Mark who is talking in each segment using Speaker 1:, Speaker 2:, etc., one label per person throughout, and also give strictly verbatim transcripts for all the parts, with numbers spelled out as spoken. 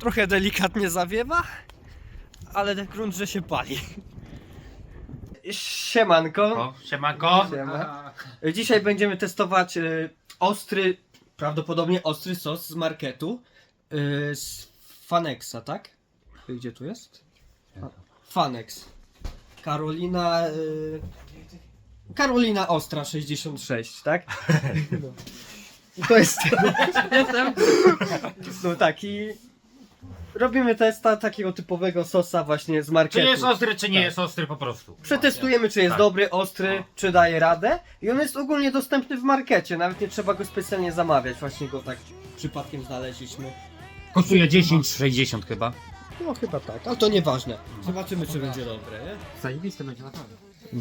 Speaker 1: Trochę delikatnie zawiewa, ale ten grunt, że się pali. Siemanko.
Speaker 2: O, siemanko.
Speaker 1: Siema. Dzisiaj będziemy testować y, ostry, prawdopodobnie ostry sos z marketu. Y, z Fanexa, tak? Gdzie tu jest? A, Fanex. Karolina... Y, Karolina Ostra sześćdziesiąt sześć, tak? I to jest...
Speaker 3: Jestem.
Speaker 1: No taki... Robimy testa takiego typowego sosa właśnie z marketu.
Speaker 2: Czy jest ostry, czy nie
Speaker 1: Tak.
Speaker 2: jest ostry po prostu.
Speaker 1: Przetestujemy, czy jest
Speaker 2: Tak.
Speaker 1: dobry, ostry,
Speaker 2: No.
Speaker 1: czy daje radę. I on jest ogólnie dostępny w markecie, nawet nie trzeba go specjalnie zamawiać. Właśnie go tak przypadkiem znaleźliśmy.
Speaker 2: Kosztuje dziesięć sześćdziesiąt chyba.
Speaker 1: No chyba tak, ale to nieważne. Zobaczymy, czy będzie dobre, nie?
Speaker 3: Zajebiste będzie naprawdę.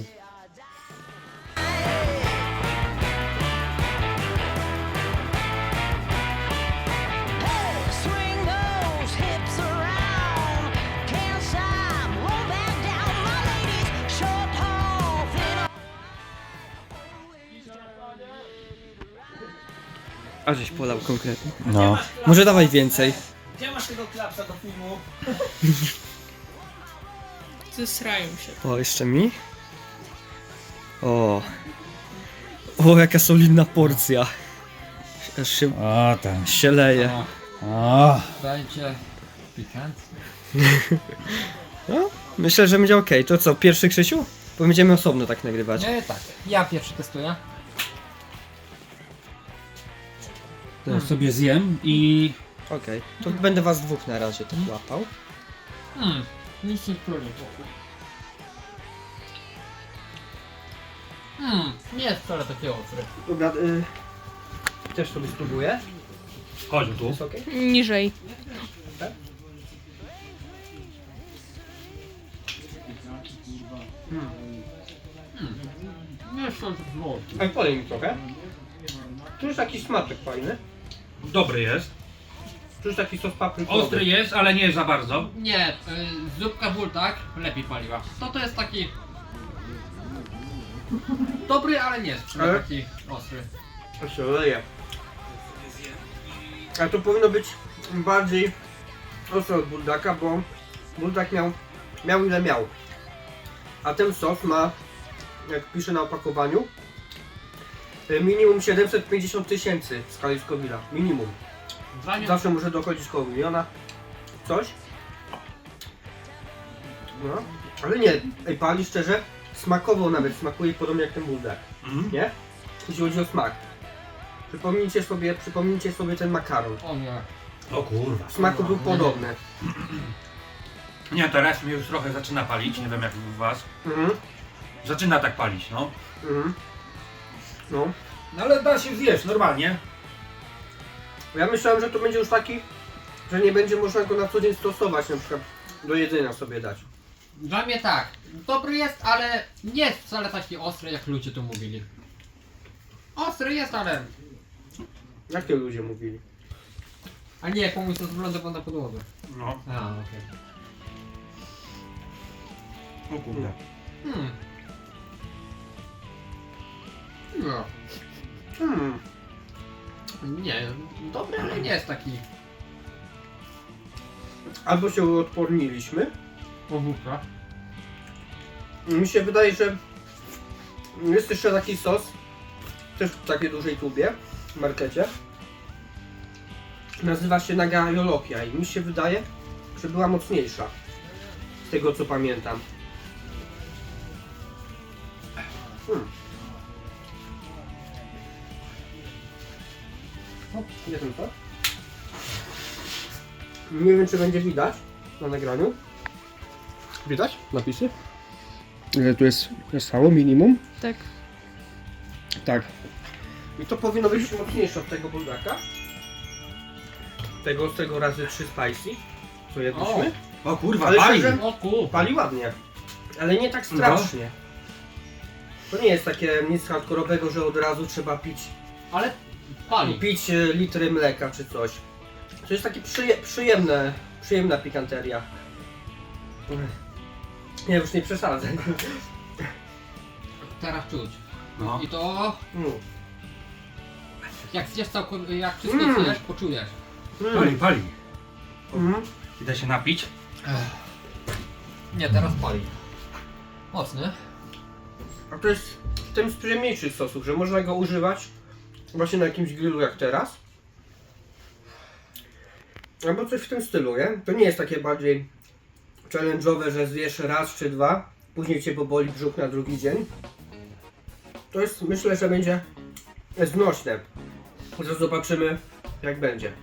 Speaker 4: Swing those hips around. Can't stop, roll back down. My ladies, short, tall, thin.
Speaker 1: A żeś polał konkretnie.
Speaker 2: No.
Speaker 1: Może dawaj więcej.
Speaker 2: Gdzie masz tego klapsa do filmu?
Speaker 3: Zesrają się.
Speaker 1: O, jeszcze mi? O. O, jaka solidna porcja. Aż się,
Speaker 2: O, tam.
Speaker 1: się leje.
Speaker 2: O.
Speaker 3: Dajcie pikant.
Speaker 1: No, myślę, że będzie ok. To co, pierwszy Krzysiu? Bo będziemy osobno tak nagrywać.
Speaker 3: Nie, tak. Ja pierwszy testuję.
Speaker 2: To sobie zjem i...
Speaker 1: Okej, to będę was dwóch na razie tak łapał.
Speaker 3: Hmm. Nic nie czuję. Hmm. Nie jest wcale takie ostre.
Speaker 1: Dobra, y, też sobie spróbuję.
Speaker 2: Chodź tu.
Speaker 1: Jest ok?
Speaker 5: Niżej.
Speaker 3: Nie jest wcale taki ostre.
Speaker 1: Ale polej mi trochę. Tu jest taki smaczek fajny.
Speaker 2: Dobry jest.
Speaker 1: Tu jest taki sos paprykowy.
Speaker 2: Ostry jest, ale nie za bardzo.
Speaker 3: Nie, y, zupka bultak lepiej paliła. To to jest taki... Dobry, ale nie jest
Speaker 1: Ale?
Speaker 3: taki ostry.
Speaker 1: To się leje. A to powinno być bardziej ostre od buldaka, bo buldak miał, miał ile miał. A ten sos ma, jak pisze na opakowaniu, y, minimum siedemset pięćdziesiąt tysięcy w skali Scoville'a. Minimum.
Speaker 3: Dla mnie...
Speaker 1: Zawsze może dochodzić koło miliona. Coś. No. Ale nie, ej, pali szczerze, smakowo nawet smakuje podobnie jak ten buldak.
Speaker 2: Mhm.
Speaker 1: Nie? Jeśli chodzi o smak. Przypomnijcie sobie, przypomnijcie sobie ten makaron.
Speaker 3: O nie.
Speaker 2: O kurwa.
Speaker 1: W smaku był podobny.
Speaker 2: Nie, teraz mnie już trochę zaczyna palić, nie wiem jak u was.
Speaker 1: Mhm.
Speaker 2: Zaczyna tak palić, no.
Speaker 1: Mhm. No.
Speaker 2: No ale da się zjeść, normalnie.
Speaker 1: Ja myślałem, że to będzie już taki, że nie będzie można go na co dzień stosować, na przykład do jedzenia sobie dać.
Speaker 3: Dla mnie tak. Dobry jest, ale nie jest wcale taki ostry, jak ludzie tu mówili. Ostry jest, ale...
Speaker 1: Jakie ludzie mówili?
Speaker 3: A nie, komuś to wygląda na podłodze.
Speaker 2: No.
Speaker 3: A, okej.
Speaker 2: O kurde.
Speaker 3: Hmm. No.
Speaker 1: Hmm.
Speaker 3: Nie, dobry, ale nie jest taki...
Speaker 1: Albo się uodporniliśmy.
Speaker 3: Powódka.
Speaker 1: Mi się wydaje, że jest jeszcze taki sos, też w takiej dużej tubie, w markecie. Nazywa się Naga Jolokia i mi się wydaje, że była mocniejsza. Z tego co pamiętam. Hmm. O, nie wiem co. Nie wiem czy będzie widać na nagraniu. Widać napisy? Ile tu jest stało minimum?
Speaker 5: Tak.
Speaker 1: Tak. I to powinno być mocniejsze od tego buldaka. Tego z tego razy trzy spicy. Co jedliśmy.
Speaker 2: O kurwa,
Speaker 1: Ale
Speaker 2: pali.
Speaker 1: szczerze-
Speaker 3: O kur...
Speaker 1: Pali ładnie. Ale nie tak strasznie. To nie jest takie nic hardkorowego, że od razu trzeba pić,
Speaker 3: Ale pali.
Speaker 1: pić e, litry mleka czy coś. To jest takie przyje, przyjemne, przyjemna pikanteria. Nie, już nie przesadzę.
Speaker 3: Teraz czuć.
Speaker 2: No.
Speaker 3: I to...
Speaker 1: Mm.
Speaker 3: Jak zjesz całkowicie, jak wszystko
Speaker 1: Mm.
Speaker 3: zjesz, poczujesz.
Speaker 1: Mm.
Speaker 2: Pali, pali.
Speaker 1: Mhm.
Speaker 2: Idę się napić.
Speaker 3: Nie, teraz pali. Mocny.
Speaker 1: A to jest w tym z przyjemniejszych sosów, że można go używać właśnie na jakimś grillu jak teraz. Albo coś w tym stylu, nie? To nie jest takie bardziej challenge'owe, że zjesz raz czy dwa, później cię poboli brzuch na drugi dzień. To jest, myślę, że będzie znośne. Zaraz zobaczymy, jak będzie.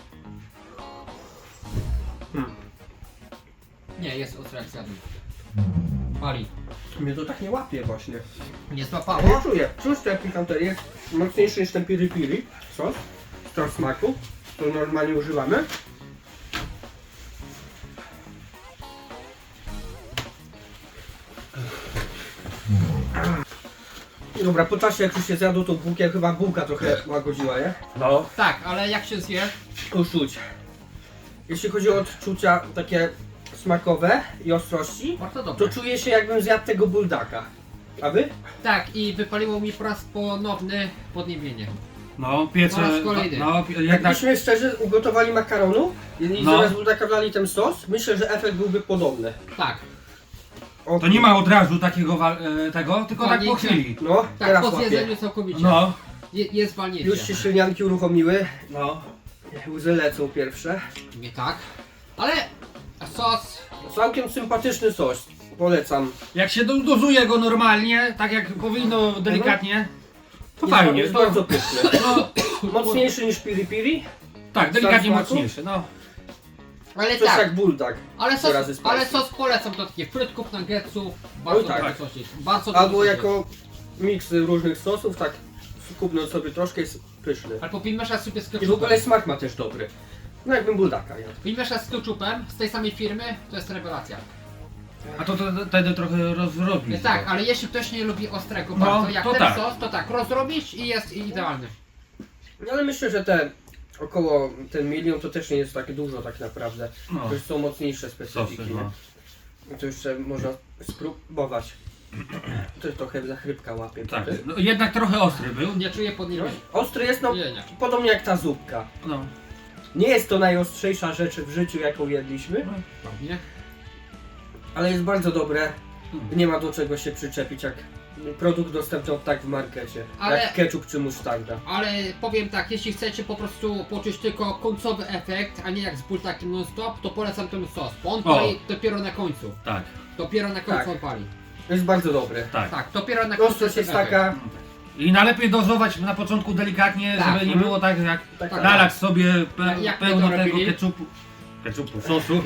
Speaker 1: Hmm.
Speaker 3: Nie, jest ostre jak zjadłem. Pali.
Speaker 1: Mnie to tak nie łapie właśnie.
Speaker 3: Nie
Speaker 1: Nie
Speaker 3: złapało?
Speaker 1: czuję. Czuć ten pikanterię, mocniejszy niż ten piri piri sos, sos smaku, który normalnie używamy. Dobra, po czasie jak już się zjadło tą bułkę, chyba bułka trochę łagodziła, nie?
Speaker 2: No.
Speaker 3: Tak, ale jak się zje,
Speaker 1: Już czuć. Jeśli chodzi o odczucia takie smakowe i ostrości,
Speaker 3: bardzo dobrze.
Speaker 1: to czuję się jakbym zjadł tego buldaka. A wy?
Speaker 3: Tak, i wypaliło mi po raz ponowny podniebienie.
Speaker 2: No, piece...
Speaker 3: Po raz kolejny.
Speaker 2: No, jednak...
Speaker 1: Jakbyśmy szczerze ugotowali makaronu i
Speaker 2: No.
Speaker 1: zamiast buldaka wlali ten sos, myślę, że efekt byłby podobny.
Speaker 3: Tak,
Speaker 1: O,
Speaker 2: To nie ma od razu takiego wa- e, tego, tylko tak po
Speaker 3: Walnięcia.
Speaker 2: chwili.
Speaker 1: No,
Speaker 3: tak,
Speaker 1: teraz
Speaker 3: po
Speaker 1: łapię.
Speaker 3: zjedzeniu całkowicie.
Speaker 2: No.
Speaker 3: Je, jest walnięcie.
Speaker 1: Już się ślinianki uruchomiły,
Speaker 2: No.
Speaker 1: łzy lecą pierwsze.
Speaker 3: Nie tak. Ale sos,
Speaker 1: Całkiem sympatyczny sos, polecam.
Speaker 2: Jak się do- dozuje go normalnie, tak jak powinno delikatnie, to
Speaker 1: Jest-
Speaker 2: fajnie.
Speaker 1: Jest
Speaker 2: To,
Speaker 1: bardzo pyszny.
Speaker 2: no,
Speaker 1: Mocniejszy niż piri piri,
Speaker 2: tak, delikatnie
Speaker 1: smaku?
Speaker 2: mocniejszy, no.
Speaker 3: ale
Speaker 1: coś
Speaker 3: tak.
Speaker 1: jak buldak.
Speaker 3: Ale
Speaker 1: Trzy razy
Speaker 3: sos,
Speaker 1: spicy.
Speaker 3: ale sos polecam do takich frytków, nuggetsów. Bardzo
Speaker 1: Oj, tak.
Speaker 3: dobry sosik. Bardzo dobry
Speaker 1: Albo
Speaker 3: sosik.
Speaker 1: jako miks różnych sosów, tak skupnąć sobie troszkę, jest pyszny.
Speaker 3: Albo pomieszasz sobie z
Speaker 1: I w
Speaker 3: ketchupem.
Speaker 1: ogóle smak ma też dobry. No jakbym buldaka jadł.
Speaker 3: Pomieszasz z ketchupem z tej samej firmy, to jest rewelacja.
Speaker 2: A to to- to- wtedy trochę rozrobisz.
Speaker 3: Tak, ale jeśli ktoś nie lubi ostrego
Speaker 2: No,
Speaker 3: bardzo, jak
Speaker 2: to
Speaker 3: ten
Speaker 2: tak.
Speaker 3: sos, to tak, rozrobić i jest idealny.
Speaker 1: No ale myślę, że te około ten milion to też nie jest tak dużo tak naprawdę.
Speaker 2: No.
Speaker 1: To już są mocniejsze specyfiki.
Speaker 2: Sosy,
Speaker 1: nie?
Speaker 2: no.
Speaker 1: To jeszcze można spróbować. To jest trochę zachrypka łapie.
Speaker 2: Tak, no, jednak trochę ostry był.
Speaker 3: Nie czuję podniebienia.
Speaker 1: Ostry jest no
Speaker 3: Nie, nie.
Speaker 1: podobnie jak ta zupka.
Speaker 2: No.
Speaker 1: Nie jest to najostrzejsza rzecz w życiu jaką jedliśmy,
Speaker 3: Ładnie.
Speaker 1: ale jest bardzo dobre.
Speaker 2: Hmm.
Speaker 1: Nie ma do czego się przyczepić jak produkt dostępny od tak w markecie.
Speaker 3: Ale-
Speaker 1: Jak ketchup czy musztarda.
Speaker 3: Ale powiem tak, jeśli chcecie po prostu poczuć tylko końcowy efekt, a nie jak z bultakiem non-stop, to polecam ten sos, bo on
Speaker 2: O.
Speaker 3: pali dopiero na końcu.
Speaker 2: Tak,
Speaker 3: Dopiero na końcu
Speaker 1: Tak.
Speaker 3: on pali.
Speaker 1: Jest bardzo dobry.
Speaker 2: tak.
Speaker 3: Tak, dopiero na końcu
Speaker 1: Ostrość jest
Speaker 3: ten efekt.
Speaker 1: taka.
Speaker 2: I najlepiej dozować na początku delikatnie,
Speaker 3: Tak.
Speaker 2: żeby nie
Speaker 1: Mhm.
Speaker 2: było tak jak
Speaker 1: taka
Speaker 2: nalać sobie pe
Speaker 3: Jak- jak my
Speaker 2: pełno
Speaker 3: to
Speaker 2: tego
Speaker 3: robili?
Speaker 2: ketchupu. Ketchupu, sosu.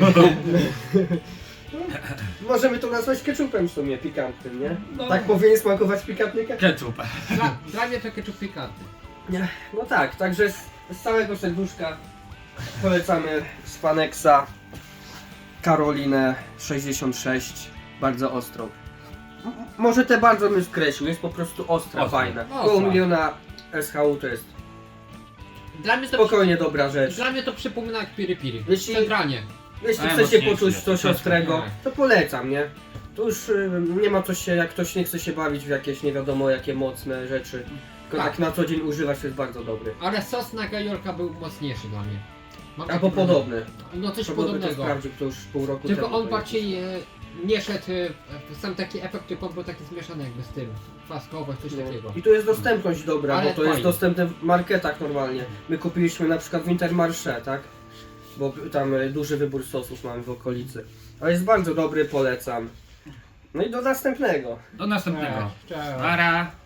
Speaker 1: Możemy to nazwać ketchupem w sumie pikantnym, nie?
Speaker 2: No.
Speaker 1: Tak powinien smakować pikantny ketchup.
Speaker 2: Ketchup.
Speaker 3: Dla, dla mnie to ketchup pikantny.
Speaker 1: Nie, no tak, także z, z całego serduszka polecamy z Fanexa Karolinę sześćdziesiąt sześć, bardzo ostrą. M- może te bardzo bym skreślił, jest po prostu ostra,
Speaker 2: Ostra.
Speaker 1: fajna.
Speaker 3: Ostra.
Speaker 1: Koło miliona S H U to jest
Speaker 3: Dla mnie to,
Speaker 1: spokojnie dobra rzecz.
Speaker 3: dla mnie to przypomina jak piri piri.
Speaker 1: Jeśli-
Speaker 3: Centralnie.
Speaker 1: Jeśli
Speaker 2: A,
Speaker 1: chcecie
Speaker 2: mocniejszy
Speaker 1: poczuć
Speaker 2: jest,
Speaker 1: coś
Speaker 2: troszeczkę,
Speaker 1: ostrego,
Speaker 3: tak.
Speaker 1: to polecam, nie? To już y, nie ma co się, jak ktoś nie chce się bawić w jakieś nie wiadomo jakie mocne rzeczy, tylko
Speaker 3: Tak.
Speaker 1: tak na co dzień używać to jest bardzo dobry.
Speaker 3: Ale sos na gajolka był mocniejszy dla mnie. Mam
Speaker 1: Albo
Speaker 3: takie wrażenie.
Speaker 1: podobny.
Speaker 3: No coś
Speaker 1: To byłby to
Speaker 3: podobnego.
Speaker 1: sprawdził, to już pół roku
Speaker 3: Tylko
Speaker 1: temu.
Speaker 3: on
Speaker 1: to
Speaker 3: bardziej e, nie szedł, e, sam taki efekt typowy był taki zmieszany jakby z tym. Kwaskowość, coś
Speaker 1: No.
Speaker 3: takiego.
Speaker 1: I tu jest dostępność dobra,
Speaker 3: Ale
Speaker 1: bo to jest
Speaker 3: fajnie.
Speaker 1: dostępne w marketach normalnie. My kupiliśmy na przykład w Intermarché, tak? Bo tam y, duży wybór sosów mamy w okolicy. Ale jest bardzo dobry, polecam. No i do następnego.
Speaker 2: Do następnego.
Speaker 3: Cześć.
Speaker 2: Para.